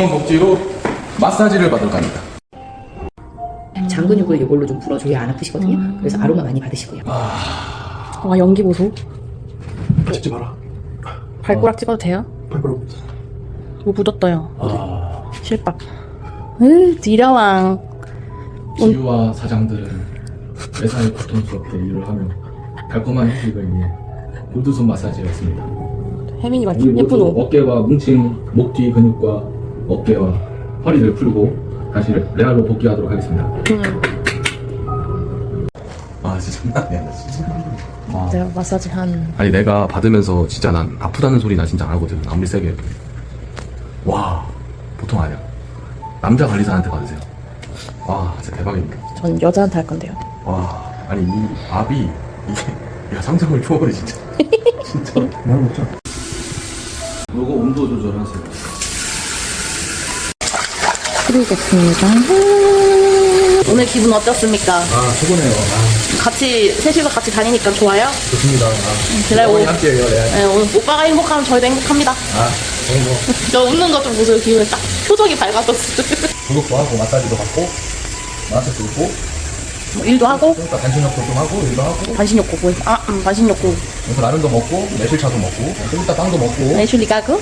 이번 복지로 마사지를 받으러 갑니다. 장 근육을 이걸로 좀 풀어줘야 안 아프시거든요. 그래서 아로마 많이 받으시고요. 와, 연기 보소. 찍지 마라. 발가락 찍어도 돼요? 발가락. 뭐 묻었어요. 실밥. 디려왕. 지유와 사장들은 매사에 고통스럽게 일을 하며 달콤한 휴식을 위해 골드손 마사지였습니다. 혜민이 말 우리 모두 예쁜 옷. 어깨와 뭉친 목 뒤 근육과 어깨와 허리를 풀고 다시 레알로 복귀하도록 하겠습니다. 아 진짜 장난 아니야 진짜. 내가 마사지 한. 아니 내가 받으면서 진짜 난 아프다는 소리 나 진짜 안 하거든. 아무리 세게 해도. 와 보통 아니야. 남자 관리사한테 받으세요. 와 진짜 대박입니다. 전 여자한테 할 건데요. 와 아니 이 압이 이게 야 상상을 초월해 진짜. 진짜 말 못자. 요거 온도 조절하세요. 그리겠습니다. 오늘 기분 어떻습니까? 아 최고네요. 같이 셋이서 같이 다니니까 좋아요? 좋습니다. 그래, 오. 함께해요. 네. 네, 오늘 오빠가 행복하면 저희도 행복합니다. 너무 저 웃는 거 좀 보세요. 기분이 딱 표정이 밝아졌어. 구독도 하고 마사지도 받고 마사지도 있고 뭐 일도 하고 그러니까 단신욕도 좀 하고 일도 하고 반신욕구 보이. 반신욕구. 그래서 라면도 먹고 매실차도 먹고 좀 이따 빵도 먹고. 애슐리 가그.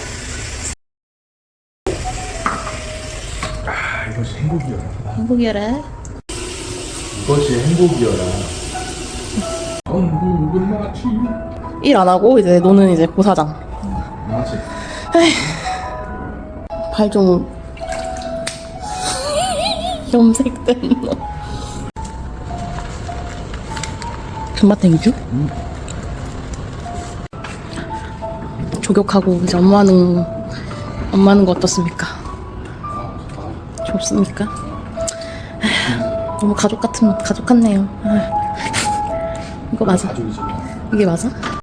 아 이것이 행복이여라. 행복이래. 이것이 행복이여라. 한국은 마치 일 안 하고 이제 노는 이제 고사장. 마치 발 좀 염색된 너. 금마탱이죠? 조격하고 이제 엄마는 거 어떻습니까? 좋습니까? 너무 가족 같네요. 이거 맞아? 가족이지. 이게 맞아?